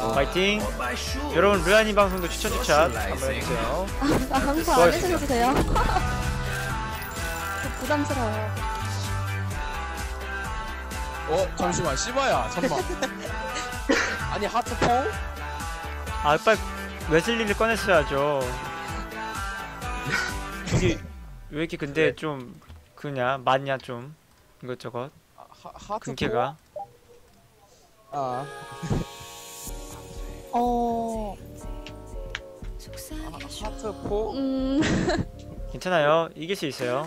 파이팅. 여러분 르아님 방송도 추천 한번 해주세요. 방송 안 해주셔도 돼요. 부담스러워요. 잠시만 시바야 잠만. 아니 하트포? 아 빨리 웨슬리를 꺼냈어야죠. 이게 왜 이렇게 근데 좀 그냐 많냐 좀 이것저것 하트포? 근캐가. 하트포? 괜찮아요. 이길 수 있어요.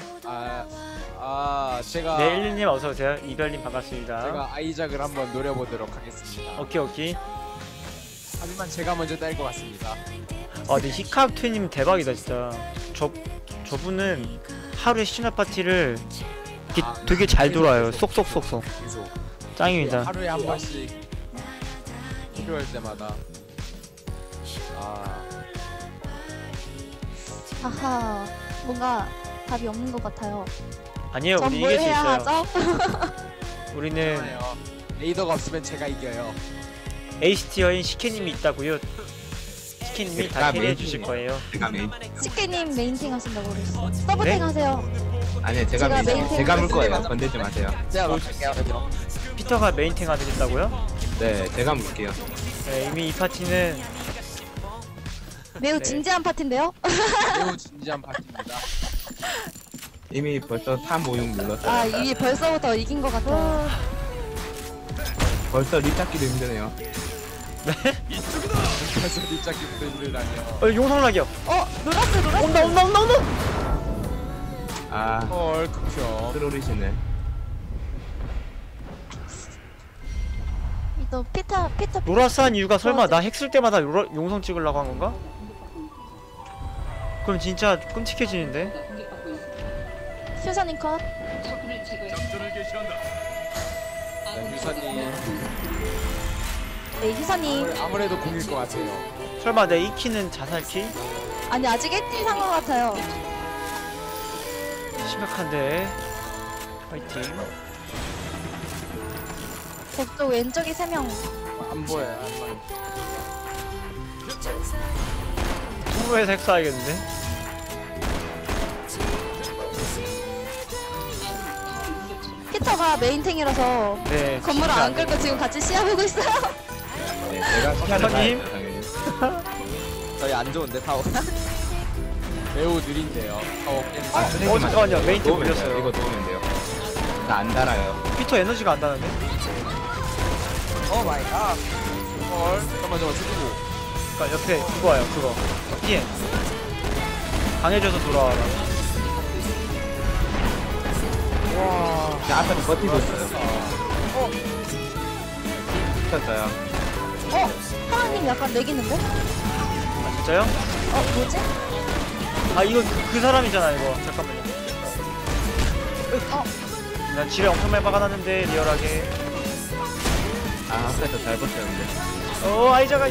제가 네 112님 어서오세요. 이별님 반갑습니다. 제가 아이작을 한번 노려보도록 하겠습니다. 오케이. 하지만 제가 먼저 딸 것 같습니다. 근데 히카트님 대박이다 진짜. 저분은 하루에 시즌 파티를 되게 잘 돌아요. 쏙쏙쏙쏙. 계속 짱입니다. 하루에 한 번씩 필요할 때마다. 하하, 뭔가 답이 없는 것 같아요. 아니에요. 전 우리 뭘 이길 수 해야 있어요. 하죠? 우리는 레이더가 없으면 제가 이겨요. 에이스티어인 시케님이 있다고요. 시케님이 다 캐리해 주실 거예요. 제가 메인. 치케님 메인팅 하신다고 그랬어. 서브탱 네? 하세요. 아니요 제가 제가 메인. 메인 제가 물 거예요. 건들지 마세요. 제가 막할게요. 피터가 메인탱 하겠다고요? 네 제가 물게요. 네, 이미 이 파티는 매우 네. 진지한 파티인데요? 매우 진지한 파티입니다. 이미 벌써 356 눌렀어요. 이게 벌써부터 이긴 것 같아요. 벌써 리 잡기도 힘드네요. 그래서 립잡기부터 힘들다니요. 용성락이요. 노라스. 온다. 아 헐 극혐. 트롤이시네. 또 피터. 로라스한 이유가 설마 나 핵 쓸 때마다 용성 찍으려고 한 건가? 그럼 진짜 끔찍해지는데? 휴사님 컷. 유사님 네, 휴사님. 아무래도 공일 것 같아요. 설마 내 2키는 자살키? 아니 아직 1등 산것 같아요. 심각한데. 파이팅. 저쪽 왼쪽이 3명. 안 보여요. 통로에서 핵 쏴야겠는데? 피터가 메인탱이라서 네. 건물을 진짜 안 끌고 지금 같이 시야보고 있어요. 네 제가 시간을 박사님. 봐야죠 당연히. 저희 안 좋은데 타워. 매우 느린데요. 타워 깨는. 잠깐만요. 메인탱 도우면 돼요. 물렸어요. 이거 도우면 돼요. 나 안 달아요. 피터 에너지가 안 나는데? 오 마이 갓. 헐. 잠깐만 죽이고. 그니까 옆에 그거 와요. 그거. 피해. 강해져서 돌아와라. 와. 자 앞에서 버티고 있어요. 붙었어요. 하나님 약간 내기는데? 아 진짜요? 뭐지? 이거 그 사람이잖아 이거. 잠깐만요. 난 지뢰 엄청 많이 박아놨는데 리얼하게. 앞에서 잘 버텼는데. 아이자가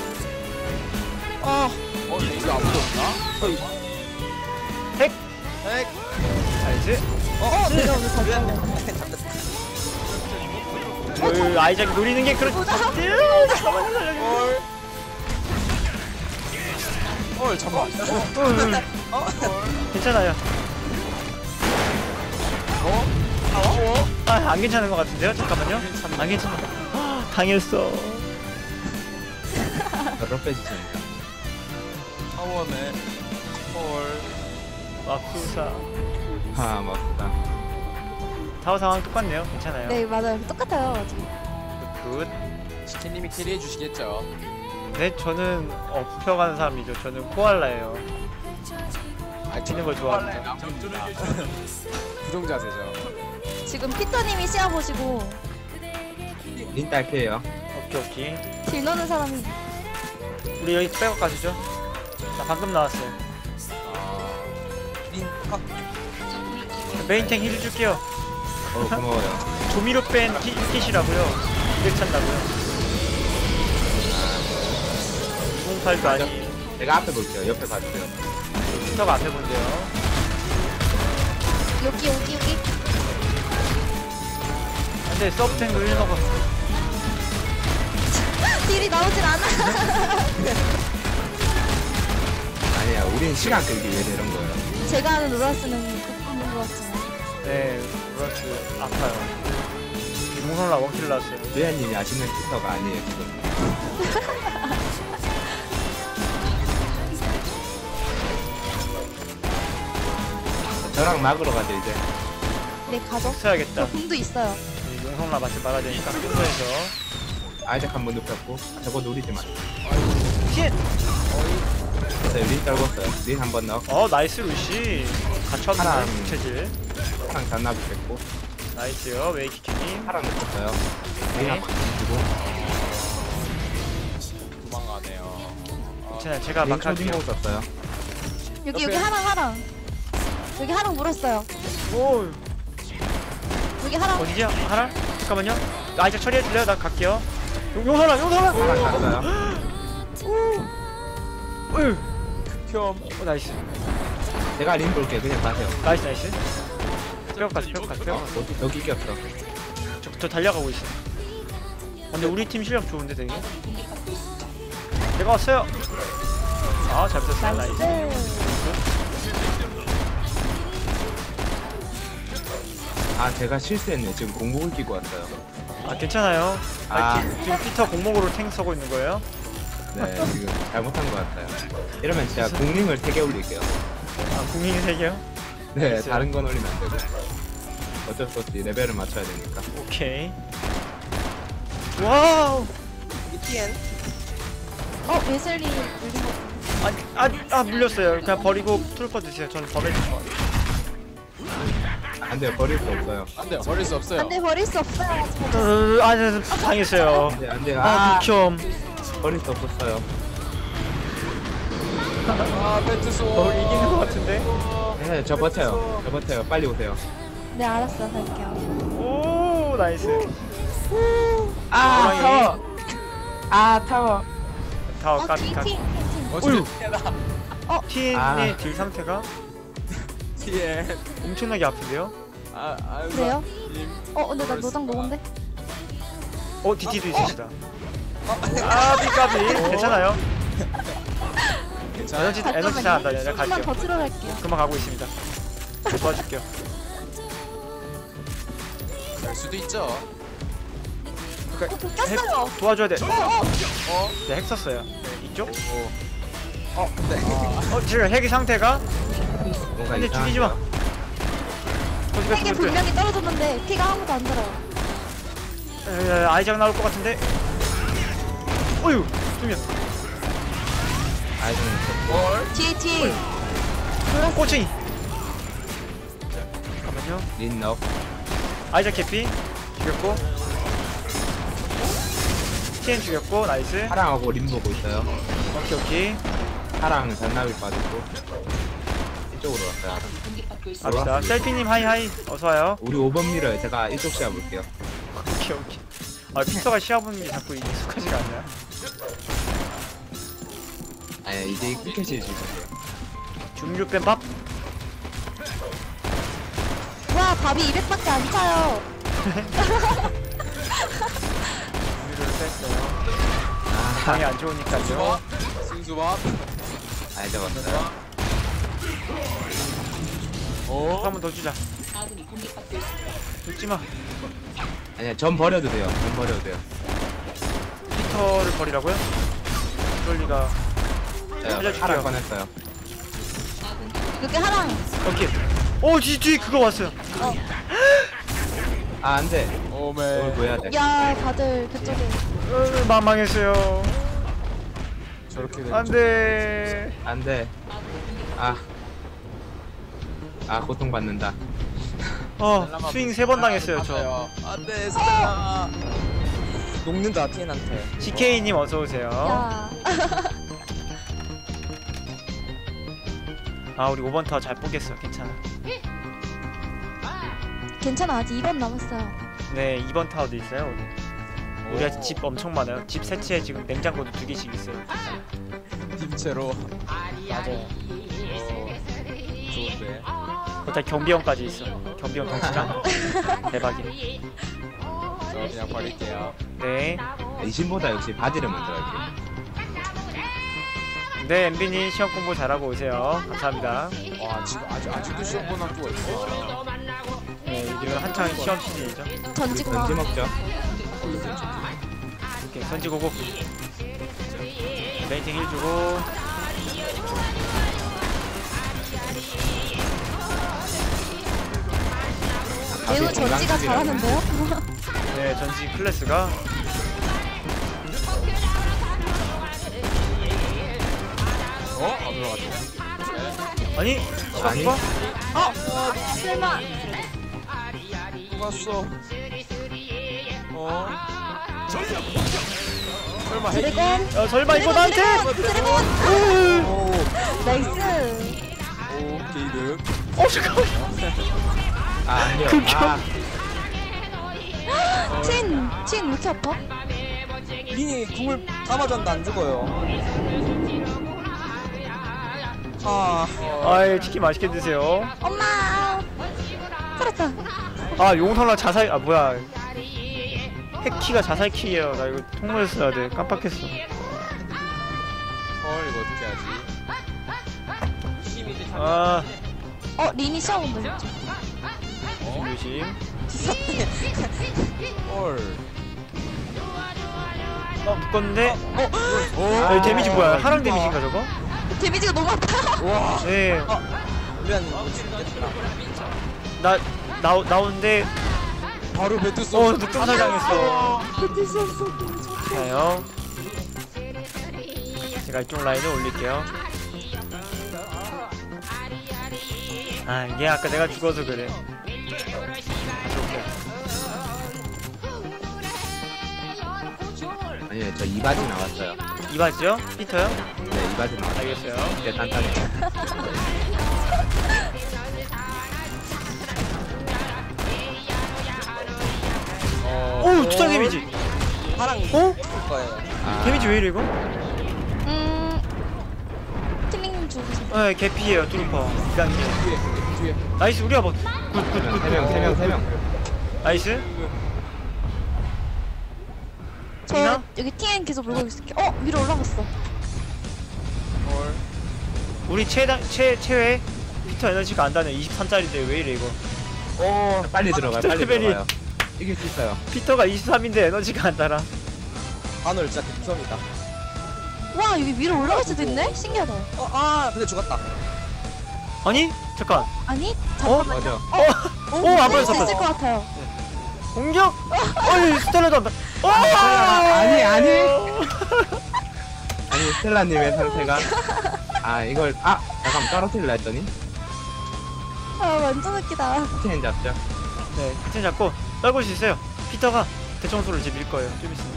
레이더 아무도 없나? 핵! 핵. 알지? 내가 오늘 잘 잡네. 아이작이 노리는 게 그렇지. 잠깐만요. 헐. 헐 잠깐. 괜찮아요. 안 괜찮은 것 같은데요? 잠깐만요. 안 괜찮아. 당했어. 저로 빼주십니다. 타워네. 헐. 마쿠사. 맞다. 타워 상황 똑같네요. 괜찮아요. 네 맞아요. 똑같아요. 지금. 굿. 치킨님이 캐리해 주시겠죠. 네, 저는 업혀가는 사람이죠. 저는 코알라예요. 치는 걸 좋아합니다. 부정자세죠. 지금 피터님이 시야 보시고 린 딸피에요. 오케이. 딜 넣는 사람이 우리 여기 백업 가시죠. 나 방금 나왔어요. 메인탱 힐 줄게요. 고마워요. 조미료 뺀 킷이라고요. 일 찬다고요. 208도 아니. 제가 앞에 볼게요. 옆에 봐주세요. 피터가 앞에 본대요. 여기. 근데 서브탱도 1 먹었어. 딜이 나오질 않아. 우리는 시간 끌기 위해서 이런 거예요. 제가 아는 로라스는 극복인 것 같지만. 네, 로라스 아파요. 용선라 원킬 났어요. 류현님이 아시는 피터가 아니에요 지금. 저랑 막으러 가죠 이제. 네, 가죠. 써야겠다. 저 궁도 있어요. 용선라 맞지 말아야 되니까 순서에서. 아이작 한번 눕혔고 저거 노리지 마. 쉣! 됐어요. 린 떨궜어요. 린 한번 넣어. 나이스 루시. 갇혔네 하나. 체질. 파랑 잔나비 뺐고 나이스요 웨이키키님. 파랑 넣었어요. 린 네. 한번 주고. 도망가네요. 괜찮아요. 제가 린 막 할게요. 초딩 썼어요. 여기 옆에. 하랑. 여기 하랑 물었어요. 오 여기 하랑. 어디지? 하나? 잠깐만요. 아이작 처리해줄래요? 나 갈게요. 용선라 용선라. 파랑 갔어요. 어휴. 큐. 나이스. 제가 린 볼게요. 그냥 가세요. 나이스 나이스. 뼈까지 뼈까지 뼈. 여기 이겼어. 저 달려가고 있어. 근데 우리 팀 실력 좋은데 되게. 내가 왔어요. 잘 붙었어요. 나이스. 나이스. 아 제가 실수했네. 지금 공복을 끼고 왔어요. 괜찮아요. 아. 지금 피터 공목으로 탱 써고 있는 거예요? 네 지금 잘못한 것 같아요. 이러면 진짜 공링을 3개 올릴게요. 국민이 3개요? 네 알겠어요. 다른 건 올리면 안 되고. 어쩔 수 없이 레벨을 맞춰야 되니까. 오케이. 와우. 웨슬리 물린 거. 물렸어요. 그냥 버리고 트루퍼 드세요. 저는 범해 줄 거예요. 안 돼요. 버릴 수 없어요. 안돼 버릴 수 없어요. 안돼, 버릴 수 없어요. 당했어요. 안 돼요. 미켬. 버릴 수 없었어요. 배트소. 이기는 것 같은데? 네, 저 버텨요. 저 버텨요. 빨리 오세요. 네, 알았어. 갈게요. 오, 나이스. 아, 타워. 아, 타워. 다워 까비 팀, 까비. 팀. 어차피 TN의 아. 딜 상태가 뒤에. 엄청나게 아픈데요? 그래요? 근데 나 노당 녹은데? DT도 있으시다. 까비. 괜찮아요. 에너지 잘한다. 내가 조금만 갈게요. 더 틀어갈게요. 금방 가고 있습니다. 도와줄게요. 될 수도 있죠. 꼈어요. 도와줘야 돼. 네, 핵 썼어요. 네, 이쪽? 지금 핵의 상태가? 뭔가 근데 죽이지 마. 거기가 핵에 죽을 거야. 분명히 떨어졌는데 피가 아무도 안 들어요. 아이작 나올 것 같은데? 어휴, 좀 아이들은 있었고. 뒤에. 꼬챙이. 잠깐만요. 린 넣어. 아이작 캐피 죽였고. TN 죽였고, 나이스. 파랑하고 린 보고 있어요. 오케이. 파랑은 잔나비 빠졌고. 이쪽으로 왔어요. 갑시다. 셀피님 하이하이. 어서와요. 우리 5번 밀어요. 제가 이쪽 시야 볼게요. 오케이. 피터가 시합하는 게 자꾸 익숙하지가 않나요? 네, 이제 끝까지 해주세요. 중류 뺀 밥? 와, 밥이 200밖에 안 차요. 중류를 뺐어요. 방이 안 좋으니까요. 승수밥. 아이작 왔어요. 한 번 더 주자. 죽지 마. 아니야, 전 버려도 돼요. 전 버려도 돼요. 피터를 버리라고요? 그럴 리가. 살려줄게요. 파랑 꺼냈어요. 여기 하랑. 오케이. 뒤 그거 왔어요. 아, 안 돼. 오메. 이걸 뭐 해야 돼? 야, 다들 그쪽에. 망망했어요. 저렇게 되면 안 돼. 안 돼. 고통받는다. 스윙 3번 당했어요, 저. 안돼 스텔라. 녹는다, TN한테. GK님 어서오세요. 야. 우리 5번 타워 잘 보겠어. 괜찮아. 괜찮아, 아직 2번 남았어요. 네, 2번 타워도 있어요, 우리. 우리가 집 엄청 많아요. 집 세치에 지금 냉장고도 2개씩 있어요. 팀체로. 맞아요. 좋은데. 거기다 경비원까지 있어. 경비원 덩치장. 대박이네. 저 그냥 버릴게요. 네. 이신보다 역시 바디를 먼저 할게요. 네, MB님 시험 공부 잘하고 오세요. 감사합니다. 와 지금 아직도 시험 본 학교가 있어. 네, 지금 한창 시험 시즌이죠. 던지고 던지 먹죠. 오케이, 던지고고. 메인팅 힐 주고. 매우 전지가 잘하는데요? 네, 전지 클래스가. 안 들어갔네. 아니? 아니. 시간 설마 누갔어. 설마 핵이? 드래곤 야, 설마 이거 나한테? 드래곤 오 나이스. 게이득. 잠깐만. 아 아니요. 아 친 왜 이렇게 아파? 린이 궁을 다 맞았는데 안 죽어요. 아, 아이, 치킨 맛있게 드세요. 엄마 살았다. 아, 용선아 자살, 아, 뭐야. 핵키가 자살키예요. 나 이거 통로에 써야 돼. 깜빡했어. 헐 이거 어떻게 하지? 아, 린이 시험 온다. 조심. 헐. 묶었는데. 오. 아, 데미지 뭐야? 하랑 데미지인가 저거? 데미지가 너무 아파요. 와. 네. 미안 이거 죽겠다. 나오는데. 바로 배트 쏘. 늑동살 당했어. 버틸 수 없어. 자요. 제가 이쪽 라인을 올릴게요. 아, 이게 아까 내가 죽어서 그래. 아니요 저 이바지 나왔어요. 이바지요? 피터요? 네 이바지 나왔어요. 알겠어요. 이제 단단해. 오, 투상 데미지. 파랑 어? 거예요. 아, 데미지 왜 이래 이거? 틸링님 죽으세요. 네, 개피예요, 뚜루퍼. 이강님. 뒤에. 나이스, 우리가 뭐. 굿. 3명. 나이스. 저 이나? 여기 TN 계속 물고 있을게. 위로 올라갔어. 헐. 우리 최외 피터 에너지가 안 다네. 23짜리인데 왜 이래 이거? 빨리 들어가요. 빨리 스트레베리. 들어가요. 이길 수 있어요. 피터가 23인데 에너지가 안 달아. 바늘 진짜 극성이다. 와 여기 위로 올라갈 수도 있네? 신기하다. 근데 죽었다. 아니? 잠깐. 아니? 맞아. 안 살릴 수 보였어. 있을 것 같아요. 공격? 어이, 스텔라도 안 다. 아니. 아니 스텔라님의 상태가 이걸 잠깐 떨어뜨리려 했더니 완전 웃기다. 스테인 잡죠. 네, 피터 잡고 떨굴 수 있어요. 피터가 대청소를 이제 밀 거예요. 좀 있으면.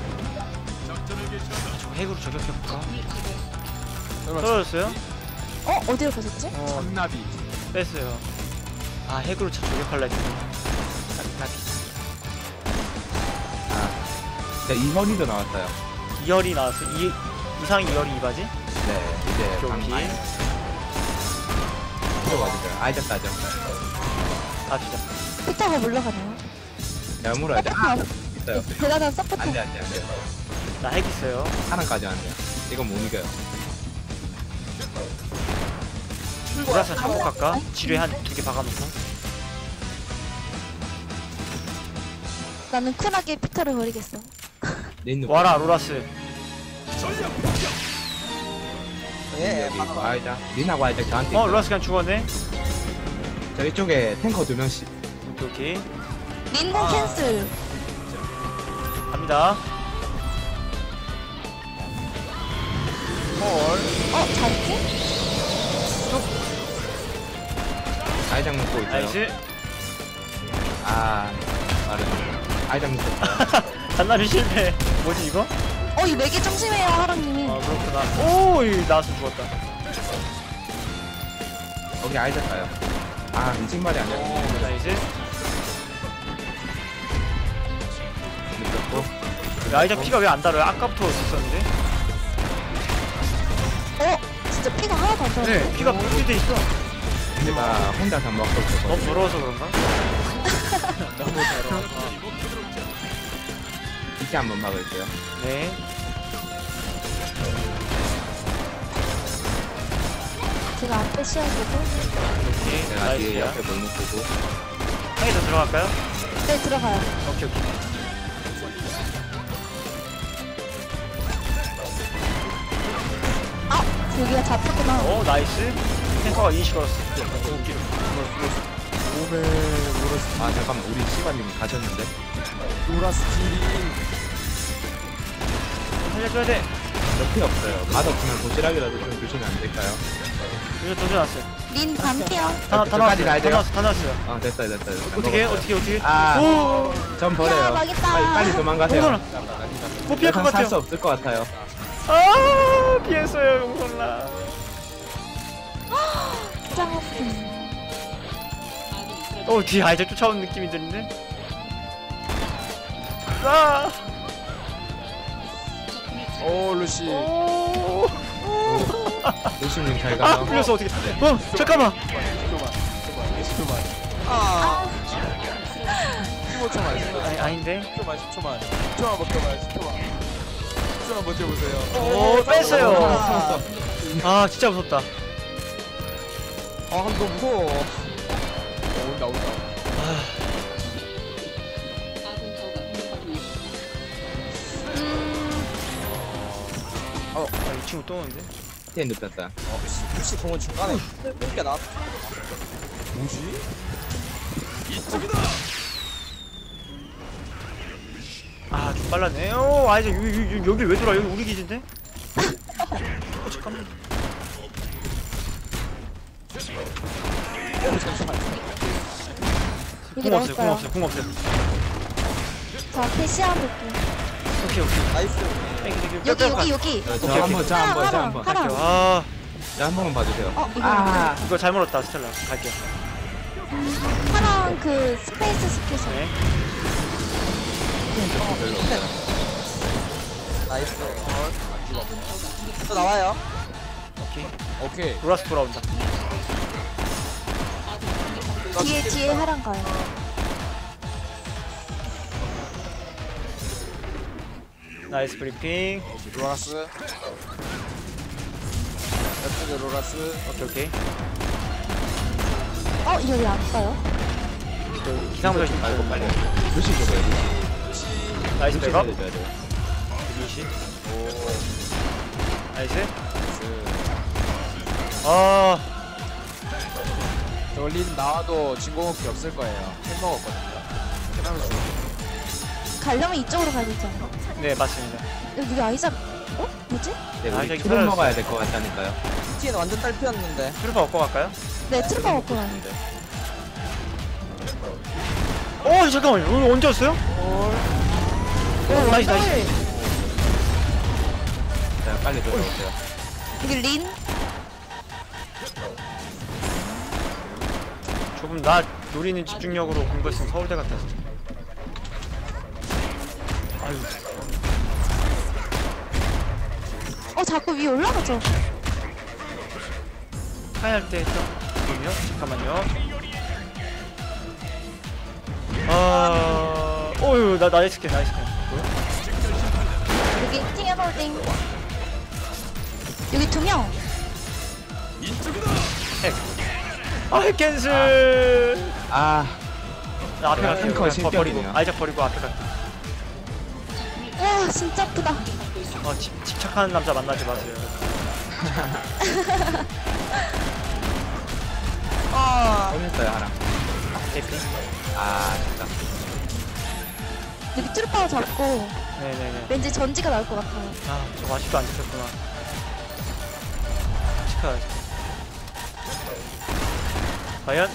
저 핵으로 저격해볼까? 설마 떨어졌어요? 어디로 가셨지? 참나비. 뺐어요. 아, 핵으로 저격할라 했더니. 나비. 네, 이선이도 나왔어요. 2열이 나왔어. 이상 2열이 이바지? 네 이제 오케이. 방망이 들어가주세요. 아이작 따죠. 아, 진짜. 피터가 물러가네요. 제가 물어야죠. 있어요. 대단한 서포터. 안돼. 나 핵 있어요. 하나까지 안 돼요. 이건 못 이겨요. 보라사 잡고 갈까? 지뢰 한 2개 박아놓고. 나는 쿨하게 피터를 버리겠어. 린누. 와라, 로라스. 예, 여기 아이작. 린하고 아이작 저한테 있어요. 로라스 그냥 죽었네. 저희 쪽에 탱커 2명씩. 오케이. 린공 캔슬. 갑니다. 잘했지? 아이작 묶고 있어요. 나이스. 빠르네. 아이작 묶었어요. 잔나비 실패. 뭐지, 이거? 이 맥이 좀 심해요, 하랑님이. 그렇구나. 오, 나와서 죽었다. 거기 아이작 가요. 미친 말이 아니야. 나이스. 묶었고. 아이작 피가 왜 안 달아요? 아까부터 있었는데? 진짜 피가 하나도 안 달아. 네, 피가 분리돼 있어. 내가 혼자서 먹고 있었거든요. 너무 더러워서 그런가? 너무 더러워. 이렇게 한번 막을게요. 네. 제가 앞에 씌워주고. 오케이. 내가 뒤에 나이스야. 옆에 몰목 보고. 한 개 더 들어갈까요? 네, 들어가요. 오케이 오케이. 여기가 잡혔구나. 오 나이스. 탱커가 이니시 걸었어. 웃기로. 몸에 로라스 아 잠깐만 우리 시바님 가셨는데. 로라스 딜이 살려줘야 돼. 옆에 없어요. 맛없으면 도시락이라도 좀 주시면 안 될까요? 이거 던져놨어요. 린 반피요. 다 저까지 나왔어요. 가야 다 돼요? 나왔어. 다 나왔어요. 아 됐어요. 어떻게 어떻게 아. 오. 전 버려요. 야, 망했다. 빨리 도망가세요. 용선아. 못 피할 것 같아요. 살수 없을 것 같아요. 아 피했어요 용선아. 짱. 뒤에 아이작 쫓아오는 느낌이 드는데. 아. 오 루시 오. 루시님 잘 아 가요. 풀렸어 어떻게? 잠깐만. 10초만 아, 15초만 10초만 아닌데. 10초만 버텨봐요 10초만 버텨보세요. 오 뺐어요. 아 진짜 무섭다. 아 너무 무서워. 온다 이 친구 또 오는데. 티에 눕혔다. 혹시 공은 중간에 게 나. 뭐지? 아좀 빨랐네. 오 아이작 여기 왜 돌아? 여기 우리 기지인데? 잠깐만. 여기 궁 없어요. 궁 넣을까요? 없어요. 궁 없어요. 저 앞에 씌워볼게요. 오케이 오케이. 나이스. 여기. 저 한번 하랑. 아 자 한 번만 봐주세요. 이거. 이거 잘 물었다 스텔라. 갈게요. 하랑 그 스페이스 스키서. 네. 별로 없어요. 나이스. 또 나와요. 오케이. 오케이 로라스 돌아온다. 뒤에 하랑 가요. 나이스 브리핑. 로라스 옆쪽에 로라스 오케이 오케이. 여기 안 가요? 기상부터 좀 말고 빨리. 루시 줘봐요. 루시. 나이스 루시 백업. 살려줘야 돼요. 이시. 오 나이스. 아 저린 나와도 진공호흡기 없을 거예요. 햄 먹었거든요. 햄하면 죽어. 가려면 이쪽으로 가야 되지 않나? 네 맞습니다. 여기 아이작. 뭐지? 네, 아, 우리 저기 술을 사라졌어요. 먹어야 될 것 같다니까요. TN 완전 딸피였는데. 트루퍼 얻고 갈까요? 네, 트루퍼 먹고 가요. 잠깐만요. 이거 언제 왔어요? 나이스 나이스. 자 빨리 들어오세요. 여기 린. 조금 나 노리는 집중력으로 공부했으면 서울대 갔다 왔어. 아유. 자꾸 위에 올라가죠. 하이할 때 했던 거군요. 잠깐만요. 나이스 킬 나이스 킬. 뭐야? 여기 팅앤홀딩. 여기 2명. 핵 캔슬. 아 나 앞에 갈게요. 탱커 그냥 실격이네요. 버리고 아이작 버리고 앞에 갈게. 와, 진짜 아프다. 집착하는 남자 만나지 마세요. 꺼냈어요 하랑. 대피. 아 진짜. 여기 트루퍼 잡고 네네네. 왠지 전지가 나올 것 같아요. 저거 아직도 안 잡혔구나. 축하하죠. 과연?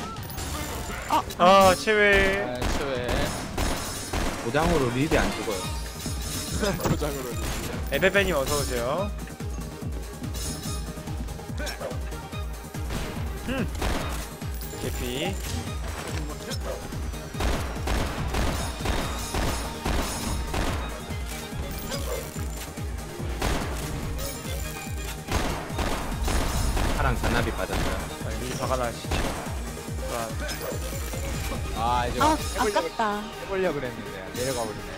체외. 아, 최외 도장으로 릴이 안 죽어요. 도장으로 에베베님 어서오세요. 개피. 하랑 잔나비 빠졌어요. 이 화가 나시죠. 아 이제 아깝다. 해보려고 그랬는데 내려가 버리네.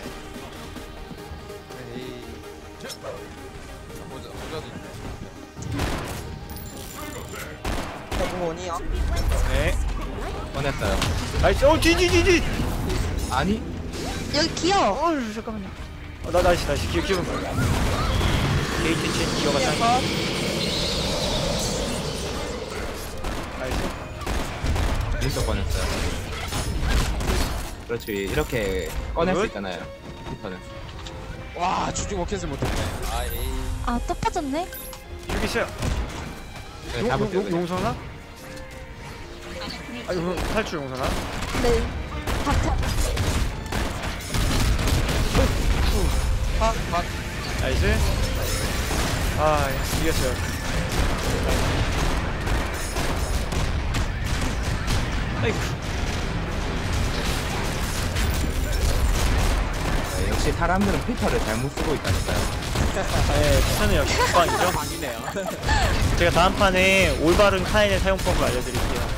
에이 모자도 있네. 이거 원이야? 네. 꺼냈어요. 나이스. 뒤. 아니 여기 기어. 잠깐만요. 나 나이스. 기억. 게이트 chen 기어가 짱. 나이스. 윈서 꺼냈어요. 그렇지 이렇게 꺼낼 수 굿. 있잖아요. 피터는. 와 주중 워켓을 못했네. 아 에이. 아, 또 빠졌네? 여기 있어요. 그냥 잡을게요. 그냥. 용서나? 탈출 용서나? 네. 바탕. 막 나이스. 이겼어요. 아이쿠. 네, 역시 사람들은 피터를 잘못 쓰고 있다니까요. 네, 피터는 역시 국방이죠. 방이네요. 제가 다음 판에 올바른 카인의 사용법을 알려드릴게요.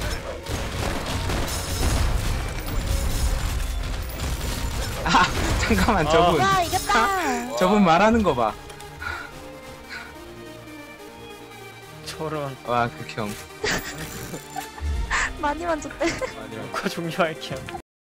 아 잠깐만 저분 야, 이겼다. 저분 말하는 거 봐. 저런. 와 극혐. 많이 만졌대. 아니요. 녹화 종료할게요.